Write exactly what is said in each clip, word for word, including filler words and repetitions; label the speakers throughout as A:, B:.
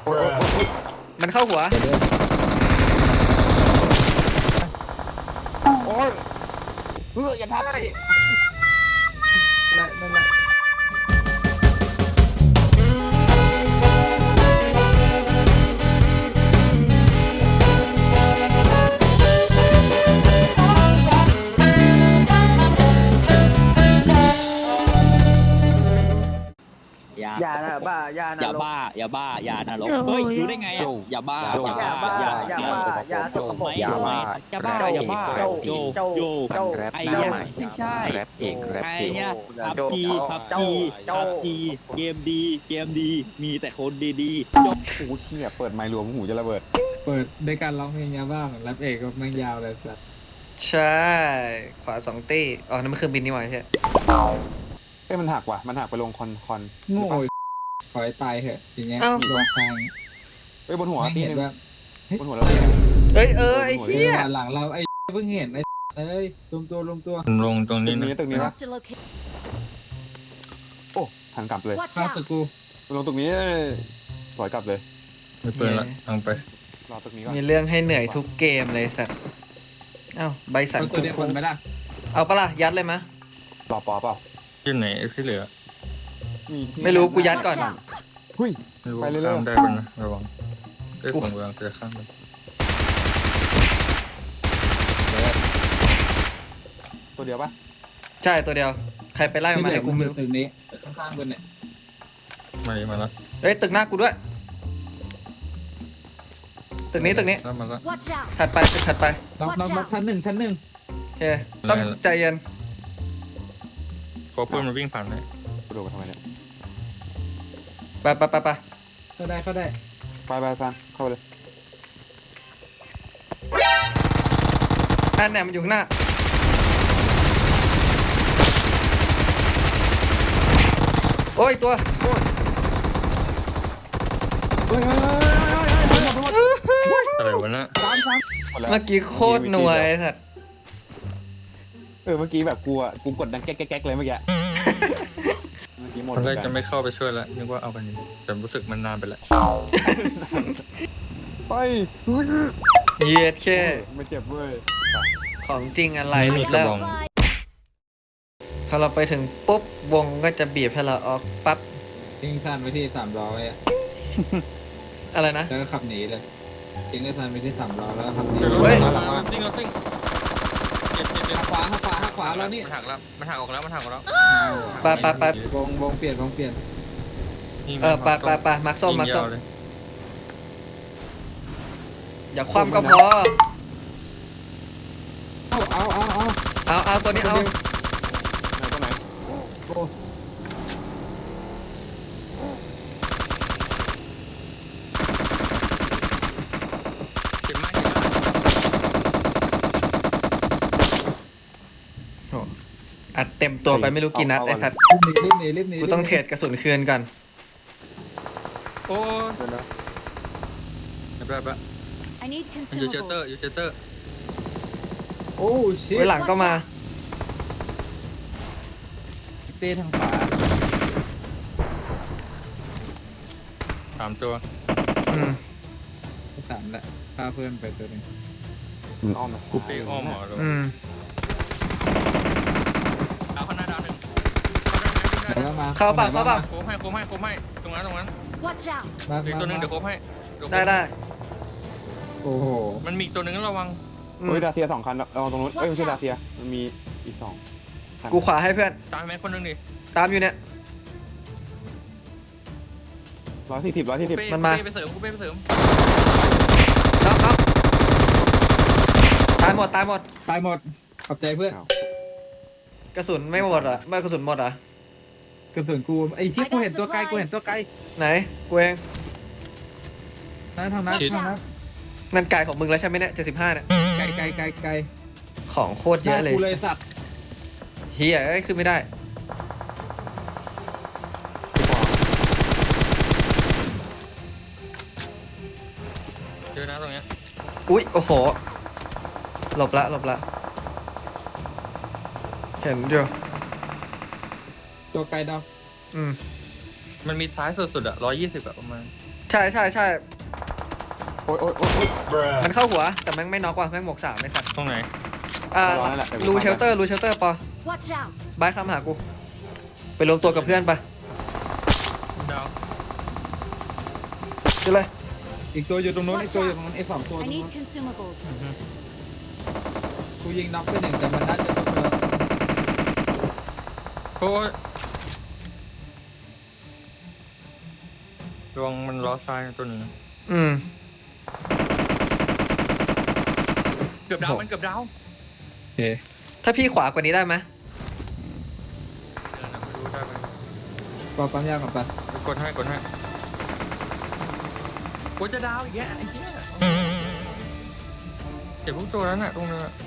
A: มันเข้าหัว
B: โอ้ยเฮ้ยอย่าทำเลยนั่นนั่นอย่านะบ้าอย่านะ
C: อย่าบ้าอย่าบ้าอย่านรกเฮ้ยรู้ได้ไงอ่ะอย่าบ้า
B: อย่าบ้าอย่าบ้าอย่าสกปรก
C: อย่าบ้าอย่าบ้าอย่าบ้าโยโยไอ้เนี่ยไม่ใช่ไอ้เนี่ยพับจีพับจีพับจีเกมดีเกมดีมีแต่คนดีๆยก
B: โอ้เชี่ยเปิดไมค์รวมหูจะระเบิด
D: เปิดในการร้องเพลงยาบ้าเหมือนแรปเอกก็แม่งยาวเลยสัส
A: ใช่ขวาสองตี้อ๋อนั่นมันเครื่องบินนี่หว่าใช่
B: เอ้ยมันหักว่ะมันหักไปลงคอนคอน
D: โง่ขอให้ตายเถอะอย่างเงี้ยลงทาง
B: เอ้ยบนหัว
D: ไม่
B: ตี
D: เห็น
B: นึง
D: ว่า
B: บนหัวเราเลย
A: เอ้ยเออไอ้
D: เฮี
A: เหี้ย
D: ยหลังเราไอ้เพิ่งเห็นไอ้เอ้ยรวมตัวรวมตัว
E: ลงตรง
B: ตึ
E: นี้
B: ก
E: นะ
B: นี้ตึกนี้นะ
F: Marked a location.
B: โอ้หันกลับเลย
F: Watch
D: ข้าวส
F: out.
D: กู
B: ลงตึกนี้ถอยกลับเลย
E: ไม่เปิดละทางไป
B: รอตึกนี้ก่อน
A: มีเรื่องให้เหนื่อยทุกเกมเลยสัตว์เอ้าใบสั่น
D: เอาตัวเดียวคนไหมล่ะ
A: เอาปะล่ะยัดเลยมะ
B: รอปอเปล่า
E: ที่ไหนที่เหลือ
A: ไม่รู้กูยัดก่อน
F: Watch out.
B: หุ้ย
E: ไม่รู้
B: ไปเรื่อยๆ
E: ข้ามได้ปะนะระวังเอ้ยผมกำลังจะข้ามไป
B: ตัวเดียวปะ
A: ใช่ตัวเดียวใครไปไล่มันมาให้กูไม่รู้
D: ตึกนี้ข้างๆบนเนี่ย
E: มาดิมาแล้ว
A: เอ้ยตึกหน้ากูด้วยตึกนี้ตึกนี้
E: แล้วมาแล้ว
F: Watch out.
A: ถัดไปตึกถัดไป
D: ลองลองมาชั้นหนึ่งชั้นหนึ่ง
A: โอเคต้องใจเย็น
E: เพราะเพื่อนมันวิ่งผ่านเลย
B: กูโดนไปทำไมเนี่ย
A: ไปไปไปไป
D: เข้าได้เข้าได้
B: ไปไปฟันเข้าไปเลย
A: อันเนี่ยมันอยู่ข้างหน้าโอ้ยตัว
B: เฮ้ยเฮ้ยเฮ้ยเฮ้ยหมดหมด
E: อะไรวะนะ
B: สามสามหมดแล้ว
A: เมื่อกี้โคตรหน่วยไอ้สัตว์
B: เออเมื่อกี้แบบกูอ่ะกูกดดังแก๊กแก๊กเลยเมื่อกี้เมื่อกี้หมด
E: ตอนแรก
B: เหมื
E: จะ
B: อนน
E: ไม่เข้าไปช่วยแล้วนึกว่าเอากันนี้แต่รู้สึกมันนานไปแล้ว
B: ไป
A: เย็ดแค่
B: ไม่เจ็บเว้ย
A: ของจริงอะไร
F: I
A: หลุด
F: got
A: แล้ว
F: supplies.
A: พอเราไปถึงปุ๊บวงก็จะบีบให้เราออกปั๊บ
D: ทิ้งซันไว้ที่สามล้อไว้
A: อะไรนะ
D: แล้วก็ขับหนีเลยทิ้งไอ้ซันไว้ที่สามล้อแล้วก็ขับหนี
A: เฮ้ย
E: มามาซิ่งเราซิ่งเจ็บเจ็บเจ็บ
D: ขวาขวาขวาแล้วนี่
E: มันหักแล้วมันหักออกแล้วมันหักออกแล้ว
A: ไปไปไป
D: วงวงเปลี่ยนวงเปลี่ยน
A: เออไปไปไปมักส้มมักส้ม
E: เลย
A: อย่าคว่ำก็พอ
D: เอาเอาเอาเอา
A: เอาเอาตัวนี้เอา
B: ไหนตัวไหน
D: โอ้
E: เจ็บมาก
A: อัดเต็มตัวไปไม่รู้กี่นัดไอ้สัตว์
D: รีบหนีรีบหนีรีบหนี
A: กูต้องเทรดกระสุนคืนก่อน
E: โอ้
B: เดี๋ยวนะ
E: ยแบบแบบ
F: I need
E: มันอยู่เจเตอร์อยู่
F: consumables.
E: เจเตอร์
D: โอ้ชิ
A: ไว้หลังก็มา
D: เต้ทางขวา
E: สามตัว
A: อืม
D: สามละพาเพื่อนไปตัวหนึง
B: มันอ้อมมา
E: เปอ้อมหมอเลย
A: อืม
E: ดาวข้างหน้าดาวหนึ่ง
D: เดี๋ยวมา
A: เข้าป่ะเข้าป่ะ
E: โค้งให้โค้งให้โค้งให้ตรงนั้นตรงนั้น
F: Watch out.
D: มา
E: อีกตัวหนึงเดี๋ยวโค้งให้
A: ได้ได้
D: โอ้โห
E: มันมีอีกตัวหนึงระวัง
A: อืม
B: เฮ้ยดาเซียสองคันเราตรงนู้นเอ้ยไม่ใช่ดาเซียมันมีอีกสองคัน
A: กูขวาให้เพื่อน
E: ตามแม็กคนหนึงดิ
A: ตามอยู่เนี่ย
B: ร้อยสี่สิบร้อยสี่สิบ
E: เป้
A: มันมา
E: เป้ไปเสริมกูเป้ไปเสริม
A: น็อกน็อกตายหมดตายหมด
D: ตายหมดขอบใจเพื่อน
A: กระสุนไม่หมดเหรอ่ะไม่กระสุนหมดเหรอ่ะ
D: กระสุนกูไอ้ที่กูเห็นตัวไกลกูเห็นตัวไกล
A: ไหนกูเอง
D: นะทางนั้น
F: Watch
D: ทางนั้น
F: out.
A: นั่นไก่ของมึงแล้วใช่ไหมเนี่ยเจ็ดสิบห้าเนี่ย
D: ไกลไกลไกลไกล
A: ของโคตรเยอะเลย
D: กูเลยสัตว์
A: เฮียเอ้ยขึ้นไม่ได้
E: เจอนะตรงเนี้ย
A: อุ๊ยโอ้โหหลบละหลบละเห็นอยู่
D: ตัวไกลดาว
A: อืม
E: มันมีซ้ายสุดๆอ่ะร้อยยี่สิบอะประมาณ
A: ใช่ใช่ใช่
B: โอ๊ยโอ๊ยโอ๊ยโอ๊ย
A: มันเข้าหัวแต่แม่งไม่น็อกว่ะแม่งหมวกสามไม่สัตว์
E: ตรงไหน
A: อ่า
B: ร้อนแล้วแหละ
A: รูเชลเตอร์รูเชลเตอร์ปอ
F: Watch out!
A: บายคำหากู ไปรวมตัวกับเพื่อนไป
E: ดาว
A: ดูเลย
D: อีกตัวอยู่ตรงนู้นอีกตัวอยู่ตรงนู้นไอ้สองตัวตร
F: I
D: งนู้
F: need
D: น
F: consumables.
D: กูยิงน็อกไปหนึ่งแต่มันน่าจะต้องแล้ว
E: โอ้ยระวังมันล้อซ้ายตัวหนึง
A: อืม
E: เกือบดาวมันเกือบดาว
D: โอเค
A: ถ้าพี่ขวากว่านี้ได้ไหม
E: เดี๋ยวนะไม่รู้ได้ไหม
D: ปอปั๊มยาก่อนปะ
E: กดให้กดให้กูจะดาวอีกแกไอ้เหี้ยเก็บพวกตัวนั้นน่ะตรงนั้นน่ะ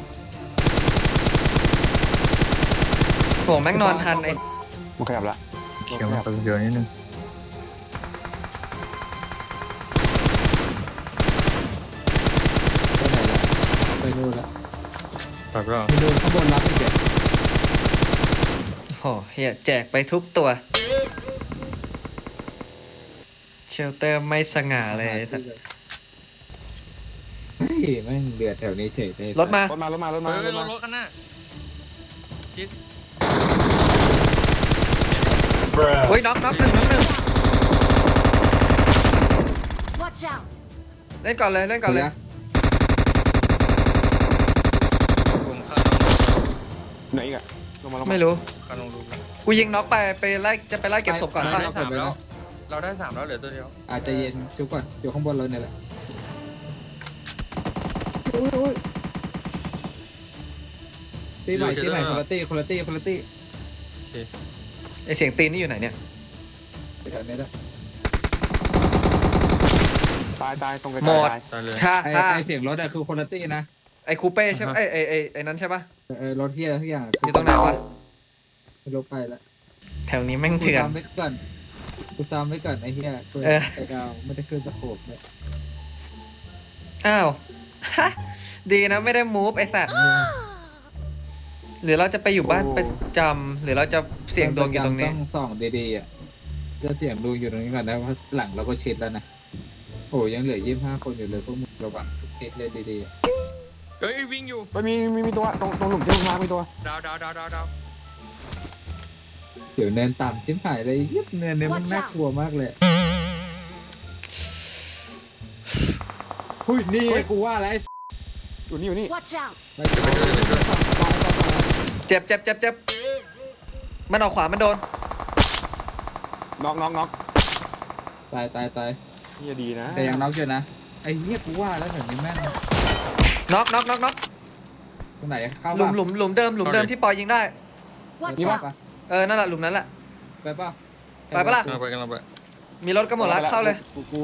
A: โหแม่งนอนทันไอ้
B: มันขยับละ
E: เขียวมาเยอะนิดนึง
D: ไปไหนละไปนู่นละ
E: แบบว่า
D: มีโดนข้างบนรับอีกแก
A: โหเฮียแจกไปทุกตัว เชลเตอร์ไม่สง่าเลยไอ้สัตว์
D: เฮ้ยแม่งเดือดแถวนี้เฉยเลย
A: รถมา
B: รถมารถมารถมา
E: เฮ้ย
B: รถ
E: ร
B: มา
E: ถรถกันน่ะชิด
A: โอ้ยน็อกน็อกหนึ่งน็อกหนึ่ง
F: Watch out!
A: เล่นก่อนเลยเล่นก่อนเลย
E: ผมคาดลง
B: ไหนอีกอะลงมาลงมา
A: ไม่รู้
E: คาดลงรูปแล้ว
A: กูยิงน็อกไปไปไล่จะไปไล่เก็บศพก่อน
E: เรา
A: ป่ะ
E: ได้สามแล้ว เราได้สามแล้วเหลือตัวเดียว
D: อาจจะเย็นชุบก่อนอยู่ข้างบนเราเนี่ยแหละตีใหม่ตีใหม่คุณภาพคุณภาพคุณภาพ
A: ไอเสียงตีนนี่อยู่ไหนเนี่ย
D: แถวนี้ละ
B: ตายตายตรงไกล
A: หมด
B: ตาย
E: ตายเลย
A: ชา
D: ไอ้
A: ฮ่า
D: ไอ้เสียงรถอะคือคุณภาพนะ
A: ไอคูเป้ใช่ปะไอไอไอไอนั้นใช่ปะ
D: เออรถที่อะไรทุกอย่าง
A: อยู่ตรงไหนวะ
D: ไม่รู้ไปละ
A: แถวนี้แม่ง
D: กู
A: เถื่อน
D: ซ้ำไว้ก่อนกูซ้ำไว้ก่อนไอ้เหี้ยตัว
A: เออ
D: ไอ้ดาวไม่ได้ขึ้นสะโขบเลย
A: อ้าว ฮะดีนะไม่ได้มูฟไอสัตว์หรือเราจะไปอยู่บ้านประจำหรือเราจะเสี่ยงดวงอยู่ตรงนี้
D: ต้องส่องดีๆอ่ะจะเสี่ยงดวงอยู่ตรงนี้ก่อนนะเพราะหลังเราก็ชิดแล้วนะโอ้ยังเหลือยี่สิบห้าคนอยู่เลยพวกมึงระวังทุกชิดเลยดีๆอะ
E: เฮ้ยวิ่งอยู่
B: ไปมีมีมีตัวตรงตรงหลุมที่ลงมามีตัว
E: ดาวดาวดาวดาวดาว
D: เดี๋ยวเนินต่ำจิ้มหายเลยยิบเนินเนี่ยมันน่ากลัวมากเลยหุ้ยนี่ไงกูว่าแล้วไอ้
B: อยู่นี่อยู่นี่
F: Watch out!
D: ไปเจอไปเจอไปเจอ
A: เจ็บเจ็บเจ็บเจ็บมันออกขวามันโดน
B: น็อกน็อกน็อก
D: ตายตายตาย
B: นี่จะดีนะ
D: แต่ยังน็อกอยู่นะไอ้เหี้ยกูว่าแล้วแถวนี้แม่ง
A: น็อกน็อกน็อกน็อก
D: ตรงไหนเข้า
A: หลุมหลุมหลุมเดิมหลุมเดิมที่ปอยยิงได้
F: Watch
D: นี่
F: out!
D: ปะ
A: เออนั่นแหละหลุมนั้นแหละ
D: ไปป่ะ
A: ไปปะล่ะ
E: กำลังไปกำลังไป
A: มีรถก็หมดแล้วเข้าเลย
B: กูกู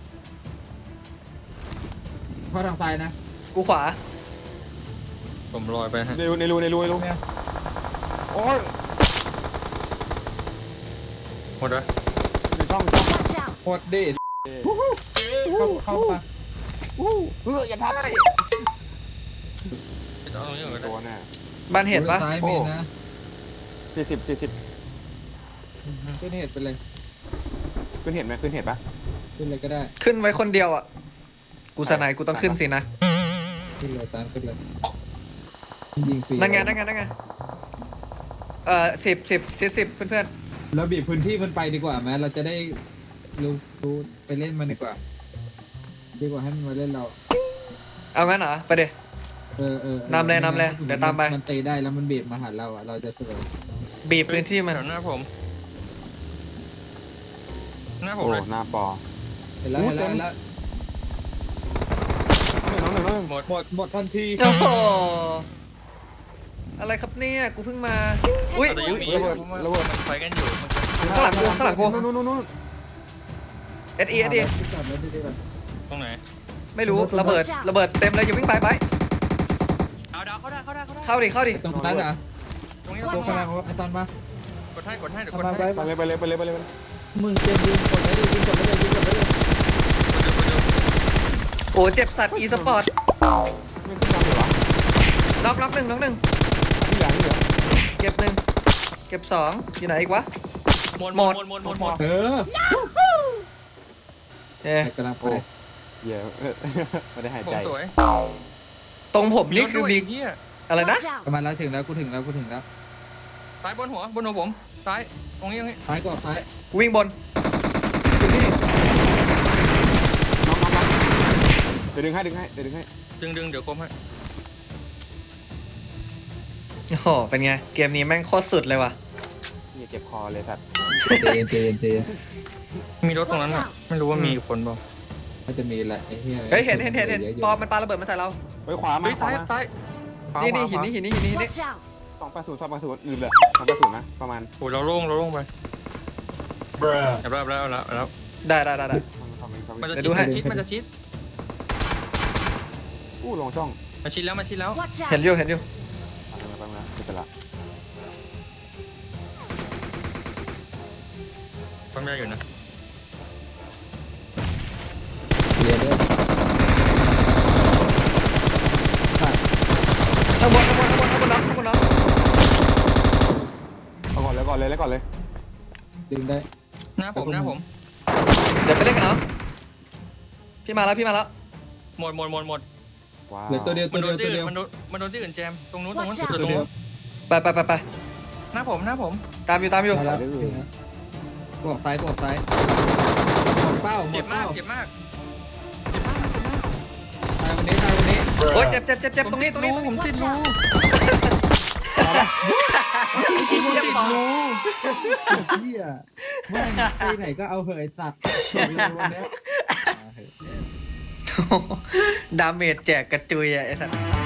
D: เข้าทางซ้ายนะ
A: กูขวา
E: ผมลอยไปฮะ
B: ในรูในรูในรูในรูเนี่ยโอ้ย
E: หมดแล้ว
B: ในช่องช่อง
F: Watch out!
D: โคตรดีเข้าเข้ามา
B: อู้เอออย่าทำอะไร
E: เอาตรงนี้ก่อนก็ได้
B: ตัวน่ะ
A: บ้านเห็นปะ
D: ซ้ายมีนะ
B: สี่สิบสี่สิบ
D: ขึ้นเหตุไปเลย
B: ขึ้นเห็นไหมขึ้นเห็นปะ
D: ขึ้นเลยก็ได้
A: ขึ้นไว้คนเดียวอ่ะ กูสนายกูต้องขึ้นสินะ
D: ขึ้นเลยซ้ายขึ้นเลยยิงฟรี
A: นั่นไงนั่นไงนั่นไงเอ่อสิบสิบสิบสิบเพื่อน
D: เราบีบพื้นที่มันไปดีกว่าไหมเราจะได้รู้รู้ไปเล่นมันดีกว่า ดีกว่าให้มันมาเล่นเรา
A: ๆเอางั้นเหรอไปเดี๋ย
D: เออเออน
A: ำเลยนำเลยเดี๋ยวตามไป
D: มันตีได้แล้วมันบีบมาหาเราอ่ะเราจะสวย
A: บีบพื้นที่มัน
E: แถวหน้าผม หน้าผม
B: โอ้
E: เลย
B: หน้าปอ
D: เห็นแล้วเห็นแล้วเห็นแล้ว
B: น้องหนึ่งน้องหนึ่ง
E: หมด
D: หมดหมดทันที
A: โอ้โหอะไรครับเนี่ยกูเพิ่งมา อุ้ย
E: แต่ยังมีระเบิดมันไฟกันอยู่มัน
A: ข้างหลังกูข้างหลังกู
B: นู่นนู่นนู่น
A: เอสเอเอสเอ
D: จอดรถดีๆก่อน
E: ตรงไหน
A: ไม่รู้ระเบิดระเบิดเต็มเลยอย่าวิ่งไปไป
E: ดาวดาวเข้าได้เข้าได้เข้าได้
A: เข้าดิเข้าดิ
D: ตรงนั้นอ่ะ
E: ตรงนี้
D: ตัวกำลังไอ้ตอนมา
E: กดให้กดให้เดี๋ยวก
D: ทำ
E: ด
D: มา
E: ให้
D: ไป
B: ไปเลยไปเลยไปเลยไปเลยไปเลย
D: มึงเตรียมยิงกดไว้เลยยิงกดไว้เลยยิงกดไว้เลย
A: โอ้เจ็บสัตว์อีสปอร์ต
B: ไม่ขึ้นมาเลยวะ
A: น็อกน็อกหนึ่งน็อกหนึ่ง
B: ที่อย่างนี้เหรอ
A: เก็บหนึ่งเก็บสองอยู่ไหนอีกวะ
E: หมด
A: หมด
E: หมดหมดหมดหมด
D: เออ
A: เอ๊ะ
D: แต่กำลังไป
B: โอ้เหี้ยเออไม่ได้หาย
E: ผม
B: ใจ
E: สวย
A: ตรงผมนี่คือ
E: รถด้วย
A: มี
E: เหี้ย
A: อะไรนะ
F: Watch out!
D: ประมาณแล้วถึงแล้วกูถึงแล้วกูถึงแล้ว
E: ซ้ายบนหัวบนหัวผมซ้ายตรงนี้ตรงนี้
D: ซ้ายก่อนซ้าย
A: วิ่งบน
D: อยู่นี่
B: น้องน้องน้องเดี๋ยวดึงให้ดึงให้เดี๋ยวดึงให้
E: ดึงดึงเดี๋ยวคมให้
A: โอ้โห เป็นไง เกมนี้แม่งโคตรสุดเลยว่ะ
B: เนี่ยเจ็บคอเลยสัตว์
D: เจนเจนเจน
E: มีรถตรงนั้นอ่ะไม่รู้ว่ามีคนเปล่า
D: ก็จะมีแหละไอ้เหี้ย
A: เฮ้ย เห็นเห็นเห็นเห็น
D: ยอะๆ
A: ปอมมันปาระเบิดมาใส่เรา
B: เฮ้ยขวามา
E: เฮ้ย
B: ขวา
E: ซ้าย
B: มา
E: ซ้ายขวา
A: นี่นี่
E: ขวา
A: หินนี่หินนี่หินนี่หินนี่
F: Watch out!
B: สองแปดศูนย์สองแปดศูนย์ลืมเลยสองแปดศูนย์นะประมาณ
E: โอ้ยเราโล่งเราโล่งไปแล้วแล้วแล้วแล้ว
A: ได้ได้ได้ได้
B: ทำเองทำเอง
E: มัน
B: ทำเอง
E: จะ
A: เดี๋ยวดู
E: ชิด
A: ให้
E: มันจะชิด
B: อู้ลงช่อง
E: มันชิดแล้วมันชิดแล้ว
F: Watch
A: เห็น
F: out!
A: อยู่เห็นอยู่
B: เอาไปแล้วไปแล้วไม่เป็นไร
E: ความยากอยู่นะ
D: เรียนด้วย
A: ข้างบนข้างบนข้างบนข้างบนน้องข้างบนน้อง
B: เอาก่อนเลยก่อนเลยแล้วก่อนเลย
D: ดึงได้
E: หน้าผมหน้าผม
A: เดี๋ยวไปเล่นกันเนาะพี่มาแล้วพี่มาแล้ว
E: หมดหมดหมดหมด
B: ว้าว
D: เหลือตัวเดียว
E: มั
D: ตัวน
E: โด
D: เดียวน ตัวเดียว
E: ที่อื่นมันโดนมันโดนที่อื่นแจมตรงนู้นตรงนู้น
F: Watch out
E: ตรงนู้น
A: ไปไปไปไป
E: หน้าผมหน้าผม
A: ตามอยู่ตามอยู่
D: มาแล้วถึงแล้วกูออกซ้ายกูออกซ้ายหมดเป้าหม
E: เจ็
D: ด
E: บมา
D: เป้าก
E: เจ็บมาก
D: ตายวันนี้ตายวันนี้
A: โอ้ยเจ็บเจ็บเจ็บเจ็บตรงนี้ตรงนี้
E: ผมติด
F: Watch
E: รู
F: out!
A: เจ็บปอ
D: เหี้ยแม่งไปไหนก็เอาเหยสัตว์บอกเลยวันเนี้ย
A: ดาเมจแจกกระจุยอะไอ้สัส